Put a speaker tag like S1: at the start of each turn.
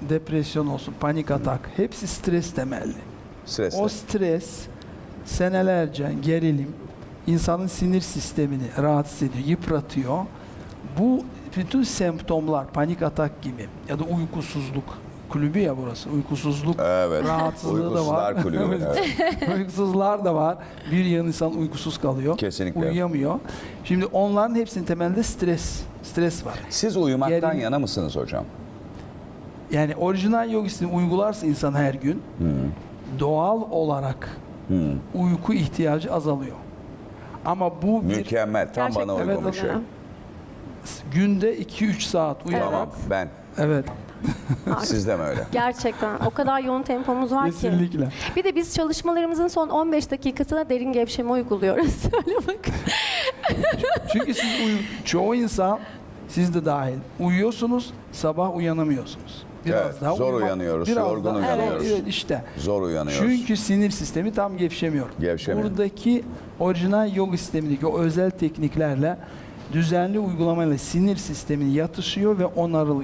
S1: depresyon olsun, panik atak hepsi stres temelli.
S2: Stresle.
S1: O stres senelerce gerilim insanın sinir sistemini rahatsız ediyor, yıpratıyor. Bu bütün semptomlar panik atak gibi ya da uykusuzluk kulübü ya burası. Uykusuzluk
S2: Evet.
S1: rahatsızlığı da var.
S2: Uykusuzlar kulübü. Evet.
S1: Uykusuzlar da var. Bir yığın insan uykusuz kalıyor.
S2: Kesinlikle.
S1: Uyuyamıyor. Şimdi onların hepsinin temelinde stres var.
S2: Siz uyumaktan
S1: Gerilim.
S2: yana mısınız hocam?
S1: Yani orijinal yogisini uygularsa insan her gün doğal olarak uyku ihtiyacı azalıyor. Ama bu bir
S2: Mükemmel. Tam
S3: Gerçekten
S2: bana uygun
S1: evet,
S2: bir şey.
S1: günde 2-3 saat uyuyarak.
S2: Tamam. Ben.
S1: Evet.
S2: Siz de mi öyle?
S3: Gerçekten o kadar yoğun tempomuz var ki.
S1: Kesinlikle.
S3: Bir de biz çalışmalarımızın son 15 dakikasına derin gevşeme uyguluyoruz. Öyle bak.
S1: Çünkü siz çoğu insan, siz de dahil, uyuyorsunuz, sabah uyanamıyorsunuz.
S2: Evet, zor uyanıyoruz, yorgun
S3: uyanıyoruz.
S1: Evet, işte.
S2: Zor uyanıyoruz.
S1: Çünkü sinir sistemi tam gevşemiyor.
S2: Gevşemiyor.
S1: Buradaki orijinal yoga sistemindeki o özel tekniklerle düzenli uygulamayla sinir sistemini yatışıyor ve onarılıyor.